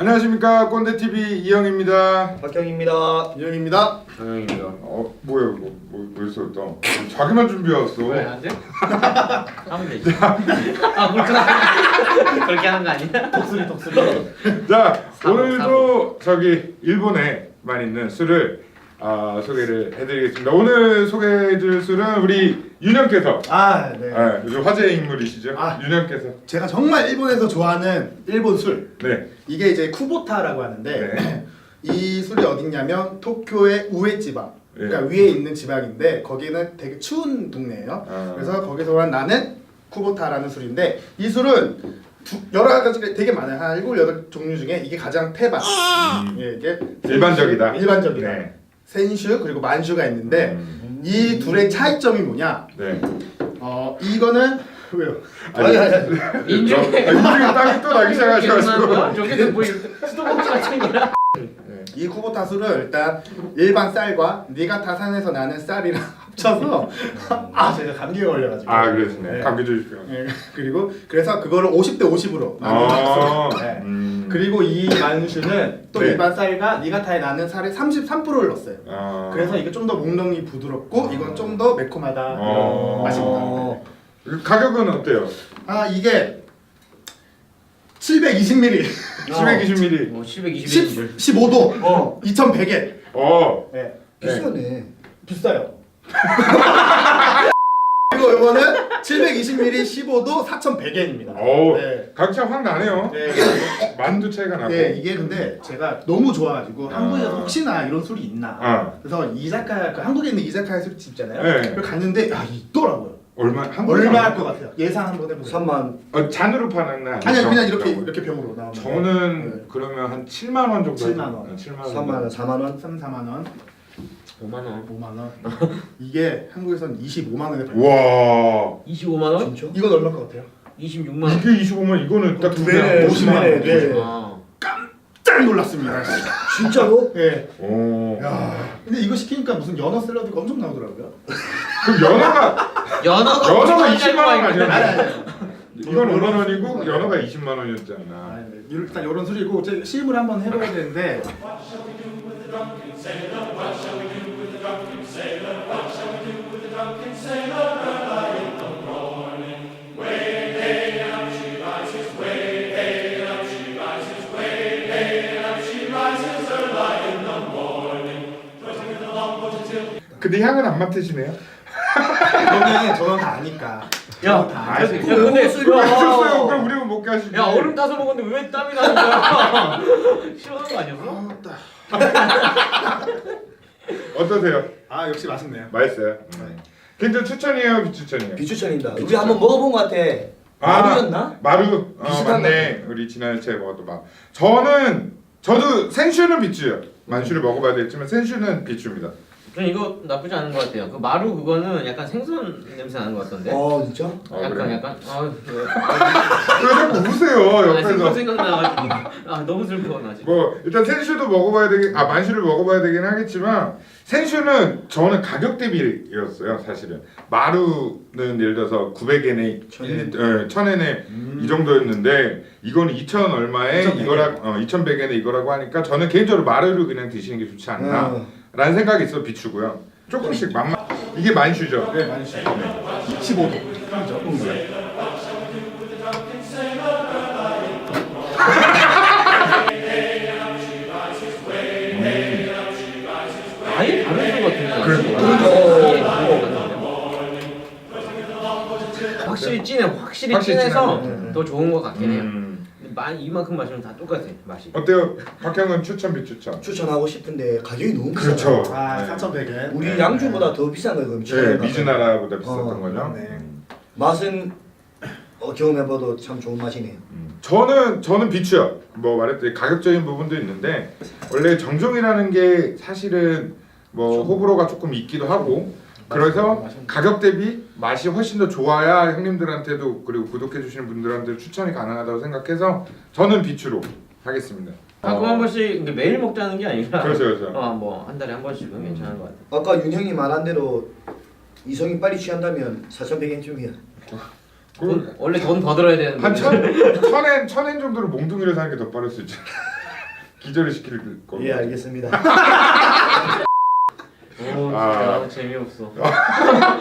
안녕하십니까, 꼰대TV 이영입니다. 박경입니다. 이영입니다. 정영입니다. 뭐야 이거 벌써 또 자기만 준비해왔어. 왜 안 돼? 하면 되지. 아 그렇게 하는 거 아니야? 독수리. 자, 사고, 오늘도 저기 일본에만 있는 술을 소개를 해드리겠습니다. 오늘 소개해줄 술은 우리 윤영께서 네. 요즘 화제의 인물이시죠. 아. 윤영께서. 제가 정말 일본에서 좋아하는 일본 술. 네. 이게 이제 쿠보타라고 하는데 네. 이 술이 어딨냐면 도쿄의 우에 지방. 그러니까 위에 있는 지방인데 거기는 되게 추운 동네예요. 그래서 거기서 나는 쿠보타라는 술인데 이 술은 여러 가지가 되게 많아요. 한 7, 8종류 중에 이게 가장 태반. 예, 이게 일반적이다. 일반적이다. 네. 센슈 그리고 만슈가 있는데 이 둘의 차이점이 뭐냐? 네. 이거는 왜요? 아니, 인중에 땀이 또 나기 시작하셔가지고. 저게 뭐 수도꼭지 같은 거야? 이 쿠보타 술을 일단 일반 쌀과 니가타산에서 나는 쌀이랑 합쳐서 제가 감기에 걸려가지고 그러시네. 네. 감기 조심해요. 네. 그리고 그래서 그거를 50대 50으로 나눈 술. 네. 그리고 이 만슈는 또 네. 일반 쌀과 니가타에 나는 쌀의 33%를 넣었어요. 그래서 이게 좀 더 목넘이 부드럽고 이건 좀 더 매콤하다 이런 맛입니다. 가격은 어때요? 이게 720ml 720ml. 720. 15도 2100엔. 네. 비싸네. 비싸요. 그리고 이거는 720ml 15도 4,100엔입니다. 네. 가격 확 나네요. 네. 만두 차이가 나고. 네, 이게 근데 제가 너무 좋아가지고 한국에서 혹시나 이런 술이 있나. 그래서 이자카야, 한국에 있는 이자카야 술집 있잖아요. 네. 그걸 갔는데 있더라고요. 얼마 얼마 할 것 같아요? 예상 한번 해보세요. 3만. 잔으로 파는 날. 아니 그냥 이렇게 병으로 나오는. 저는 그러면 한 7만 원 정도. 7만 원. 7만 3만 원, 4만 원. 3, 4만 원, 5만 원. 5만 원. 이게 한국에서는 25만 원에 팔려요. 와. 25만 원? 진짜? 이건 얼마 것 같아요? 26만 원. 이게 25만 이거는 딱 두 배네, 배네. 50만 원. 네. 아. 깜짝 놀랐습니다. 진짜로? 네. 오. 야, 근데 이거 시키니까 무슨 연어 샐러드가 엄청 나오더라고요. 그럼 연어가 연어가 20만 원 아니야? 아니. 이건 5만 원이고 연어가 20만 원이었잖아. 일단 이런 술이고 제가 시음을 한번 해봐야 되는데. 근데 향은 안 맡으시네요? 저는 다 아니까. 야, 근데 있었어요. 그럼 우리는 먹게 하시지. 야 얼음 따서 먹었는데 왜 땀이 나는 거야? 싫어하는 거 아니었어? 어떠세요? 역시 맛있네요. 맛있어요. 개인적으로 추천이에요, 비추천이에요? 비추천입니다. 우리 한번 먹어본 것 같아. 마루였나? 마루. 비슷한 맞네. 우리 지난주에 먹었던 마. 저도 생슈는 비추요. 만슈를 먹어봐야 되겠지만 생슈는 비추입니다. 전 이거 나쁘지 않은 것 같아요. 그 마루 그거는 약간 생선 냄새 나는 것 같던데. 진짜? 약간 그래? 약간. 왜 자꾸 우세요 생선 옆에서? 생각나가지고. 너무 슬퍼 나 지금. 뭐 일단 생슈도 먹어봐야 만슈를 먹어봐야 되긴 하겠지만 생슈는 저는 가격 대비였어요 사실은. 마루는 예를 들어서 900엔에 1000엔에 이 정도였는데 이거는 2000 얼마에 2100엔에 이거라고 하니까 저는 개인적으로 마루를 그냥 드시는 게 좋지 않나 라는 생각이 있어. 비추고요. 조금씩 맛만. 이게 만슈죠? 네, 만슈. 15도. 아예 다른 것 같은데. 확실히 진해. 확실히 진해서 더 좋은 것 같긴 해요. 이만큼 마시면 다 똑같아 맛이. 어때요? 박형은 추천 비추천? 추천하고 싶은데 가격이 너무 비싸. 그렇죠. 4,100엔. 우리 양주보다 더 비싼 거예요. 그럼 네, 미즈나라보다 비쌌던 거죠. 네. 맛은 경험해봐도 참 좋은 맛이네요. 저는 비추요. 뭐 말했듯이 가격적인 부분도 있는데 원래 정종이라는 게 사실은 뭐 호불호가 조금 있기도 하고 그래서 가격 대비 맛이 훨씬 더 좋아야 형님들한테도 그리고 구독해 주시는 분들한테 추천이 가능하다고 생각해서 저는 비추로 하겠습니다. 가끔 한 번씩 매일 먹자는 게 아니라. 그렇죠. 뭐 한 달에 한 번씩은 괜찮은 것 같아. 아까 윤형이 말한 대로 이성이 빨리 취한다면 4,100엔쯤이야. 원래 돈 더 들어야 되는데. 한 천엔 정도로 몽둥이를 사는 게 더 빠를 수 있죠. 기절을 시킬 겁니다. 예, 알겠습니다. 오, 진짜 재미없어.